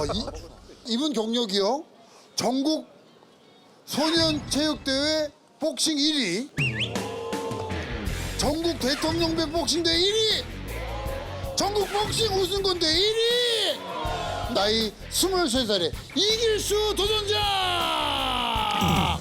이분 경력이요. 전국 소년체육대회 복싱 1위. 전국 대통령배 복싱대 1위. 전국 복싱 우승권대 1위. 나이 23살에 이길수 도전자.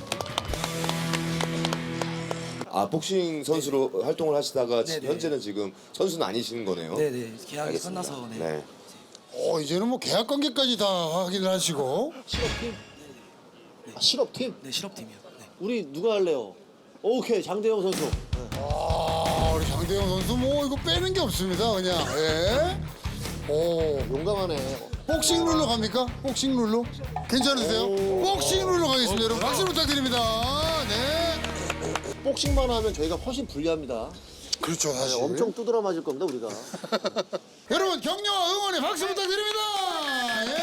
복싱 선수로 활동을 하시다가 네네. 현재는 지금 선수는 아니시는 거네요. 네네 계약이 알겠습니다. 끝나서 네. 네. 이제는 뭐 계약 관계까지 다 확인을 하시고. 실업팀? 실업팀? 네 실업팀이요. 네. 우리 누가 할래요? 오케이, 장대영 선수. 우리 장대영 선수 뭐 이거 빼는 게 없습니다. 그냥. 예. 오. 용감하네. 복싱 룰로 갑니까? 복싱 룰로? 괜찮으세요? 복싱 룰로 가겠습니다. 여러분 박수 부탁드립니다. 네. 복싱만 하면 저희가 훨씬 불리합니다. 그렇죠, 사실. 엄청 두드러 맞을 겁니다, 우리가. 여러분 격려와 응원의 박수 부탁드립니다. 예.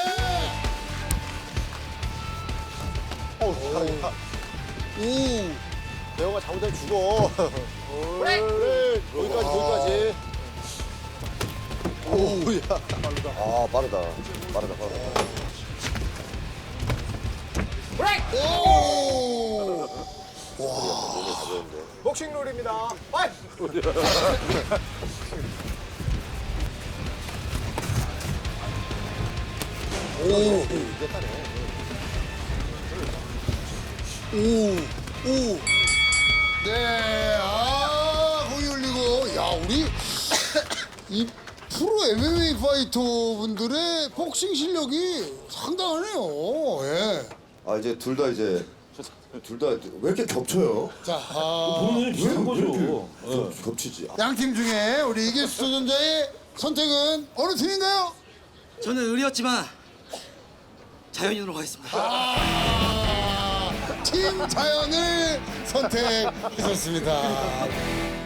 대영아 잘못하면 죽어. 그래. 거기까지. 오야. 빠르다. 오. 복싱 룰입니다. 파이! 네. 거기 올리고. 야, 우리 이 프로 MMA 파이터 분들의 복싱 실력이 상당하네요. 예. 이제 둘 다 왜 이렇게 겹쳐요? 자, 왜 이렇게 겹치지? 양팀 중에 우리 이길수 도전자의 선택은 어느 팀인가요? 저는 의리였지만 자연인으로 가겠습니다. 팀 자연을 선택하셨습니다.